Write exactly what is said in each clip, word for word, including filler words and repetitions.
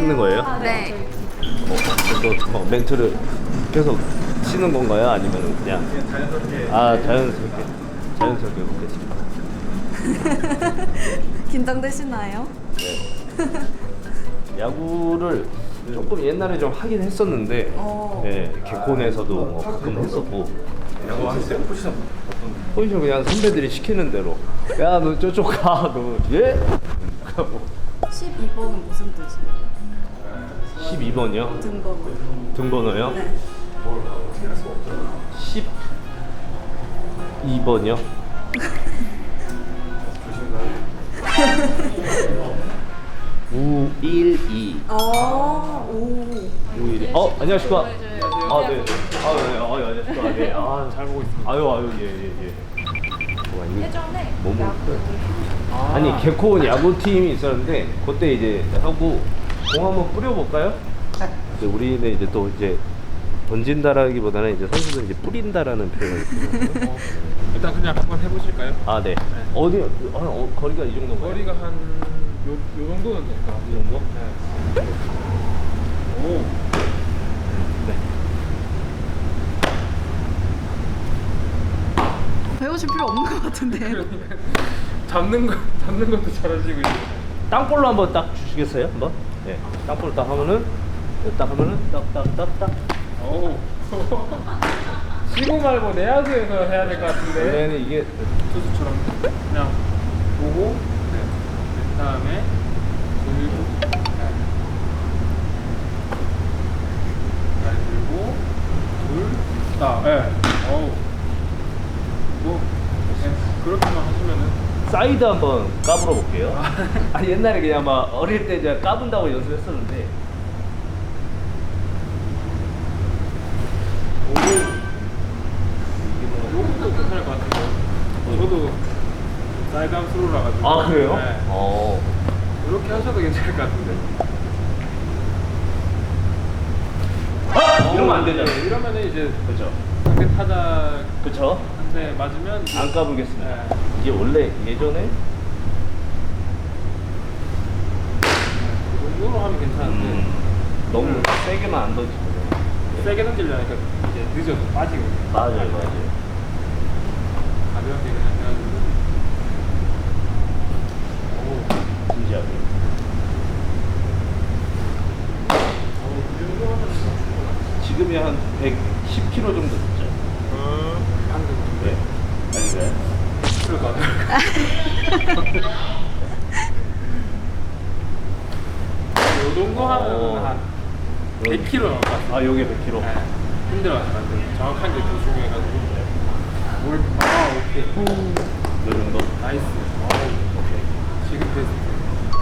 찍는 거예요? 네. 어, 또 어, 멘트를 계속 치는 건가요? 아니면 그냥 아 자연스럽게 자연스럽게 그렇게 긴장되시나요? 네. 야구를 조금 옛날에 좀 하긴 했었는데 어. 네, 개콘에서도 뭐 가끔 했었고 야구 하실 때 포지션 어떤? 포지션 그냥 선배들이 시키는 대로 야 너 저쪽 가너 예? 하고 십이 번은 무슨 뜻이에요? 십이 번이요? 등번호. 등번호요? 네. 십이 번이요? 오일이 아, 오. 오일이 어 안녕하십니까? 아 네. 아 네. 아 안녕하십니까? 네. 아잘 보고 있습니다. 아유 아유 예예 예. 예전에 뭐 먹을까요? 아니 개콘 야구팀이 있었는데 그때 이제 하고 공 한번 뿌려볼까요? 근데 우리는 이제 또 이제 던진다라기보다는 이제 선수들 이제 뿌린다라는 표현을 쓰거든요. 어, 일단 그냥 한번 해보실까요? 아 네. 어디 어, 어, 거리가 이 정도인가요? 거리가 한 요, 요 정도는 될까? 이 정도? 네. 오. 네. 배우실 필요 없는 것 같은데. 잡는 거 잡는 것도 잘하시고 있어요. 땅볼로 한번 딱 주시겠어요? 한번? 네. 땅볼로 딱 하면은 딱 하면은 딱딱딱딱. 오. 치고 말고 내야수에서 해야 될 것 같은데. 원래는 이게 투수처럼 그냥 보고 네. 그 다음에 들고 네. 잘 들고 둘다 예. 어우 뭐 네. 그렇게만 하시면은 사이드 한번 까불어 볼게요. 아 옛날에 그냥 막 어릴 때 제가 까분다고 연습했었는데. 요것도 괜찮을 것 같은데. 저도 사이드 암 스로우라 가지고. 아 그래요? 네. 어. 이렇게 하셔도 괜찮을 것 같은데. 아! 이러면 안 되잖아요. 네, 이러면은 이제 그렇죠. 상대 타자한테 그렇죠. 맞으면 안 까불겠습니다. 네. 이게 원래 예전에 이 정도로 하면 괜찮은데 음, 너무 세게만 안 던지고. 세게 던지려니까 이제 늦어서 빠지고 맞아요, 맞아요. 가볍게 그냥 해가지고 오. 진지하게. 지금이 한 백십 킬로그램 정도 됐죠? 음, 방금 네. 아닌가요? 그럴 것 같아요. 요 정도 하면 한 백 킬로그램 넘어갔어요. 아, 요게 백 킬로그램. 네. 힘들어가지고 정확한 게 좀 중요해가지고 뭘, 아 오케이 요 정도? 나이스. 아우, 오케이. 지금 베스트.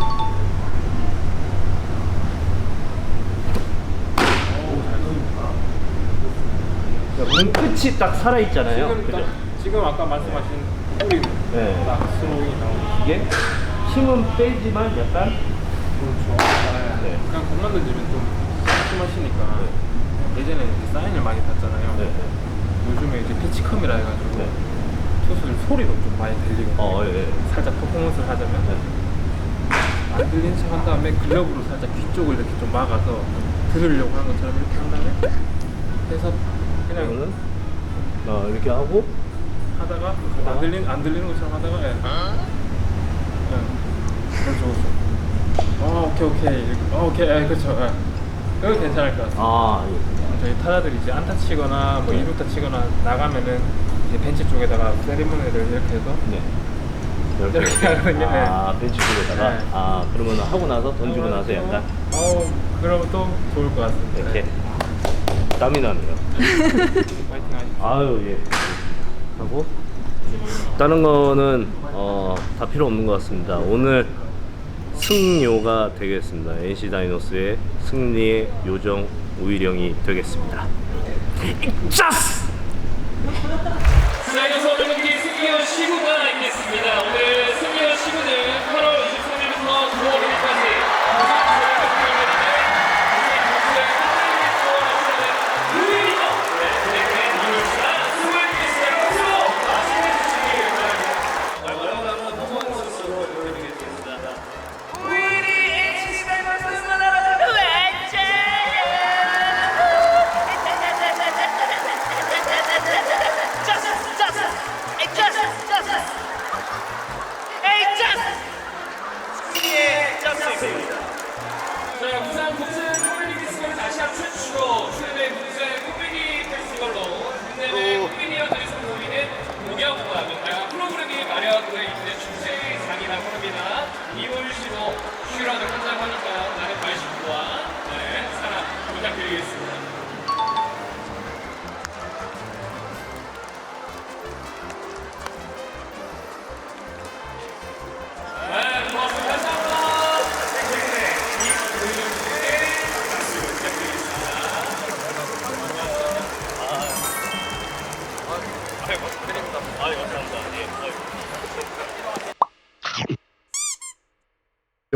몸 끝이 딱 살아있잖아요. 지금, 그죠? 딱, 지금 아까 말씀하신 뿌리는 네. 딱 스로잉이 나오고 이게 힘은 빼지만 약간 그렇죠. 네. 그냥 공만 던지면 좀 심하시니까 예전에 이제 사인을 많이 탔잖아요. 네. 요즘에 이제 피치컴이라 해가지고 네. 투수들 소리도 좀 많이 들리거든요. 어, 예, 예. 살짝 퍼포먼스를 하자면 네. 안 들리는 척 한 다음에 글러브로 살짝 귀 쪽을 이렇게 좀 막아서 들으려고 하는 것처럼 이렇게 한 다음에 해서 그냥 이거는 어, 이렇게 하고 하다가 안 들리는 안 들리는 것처럼 하다가 예. 예. 그렇죠, 그렇죠. 어, 오케이, 오케이. 어, 오케이, 예, 그렇죠. 예. 그거 괜찮을 것 같습니다. 아, 예. 저희 타자들이 이제 안타 치거나 뭐 네. 이루타 치거나 나가면은 이제 벤치 쪽에다가 세리머니를 이렇게 해서 네. 이렇게 하거든요. 아, 벤치 쪽에다가 네. 아, 그러면 하고 나서 던지고 어, 나서 약간 어, 그러면 또 좋을 것 같습니다. 이렇게 땀이 나네요. 파이팅 하십시오. 아유, 예. 하고 다른 거는 어, 다 필요 없는 것 같습니다. 오늘 승요가 되겠습니다. 엔씨 다이노스의 승리의 요정 우일영이 되겠습니다. 짜스! 다이노스 오늘 경기 승리와 시구가 있겠습니다. 오늘 승리와 시구는 팔월 이십삼 일부터 구월 일 일까지 네.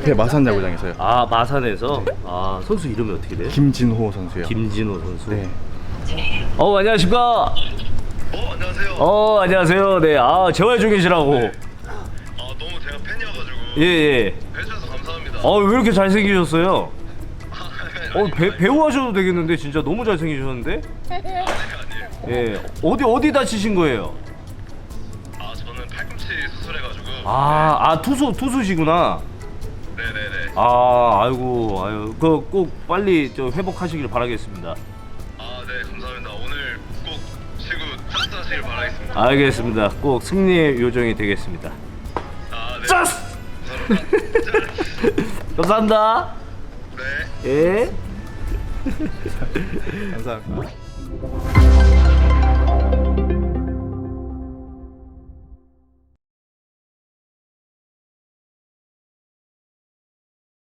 옆에 마산 야구장에서요. 아 마산에서. 아 선수 이름이 어떻게 돼요? 김진호 선수요. 김진호 선수. 네. 어 안녕하십니까. 어 안녕하세요. 어 안녕하세요. 네. 아 재활 중이시라고. 아 너무 제가 팬이어가지고 예 예. 해주셔서 감사합니다. 어 왜 이렇게 잘생기셨어요? 아니, 어 배, 배우 하셔도 되겠는데 진짜 너무 잘생기셨는데? 아니에요. 예. 어디 어디 다치신 거예요? 아 저는 팔꿈치 수술해가지고. 아, 아 투수 투수시구나. 네네네. 아, 아이고, 아유, 그 꼭 빨리 저 회복하시길 바라겠습니다. 아 네 감사합니다. 오늘 꼭 시구 짠짜시길 바라겠습니다. 알겠습니다. 꼭 승리의 요정이 되겠습니다. 아 네. 짜스! 감사합니다. 네. 예. 감사합니다.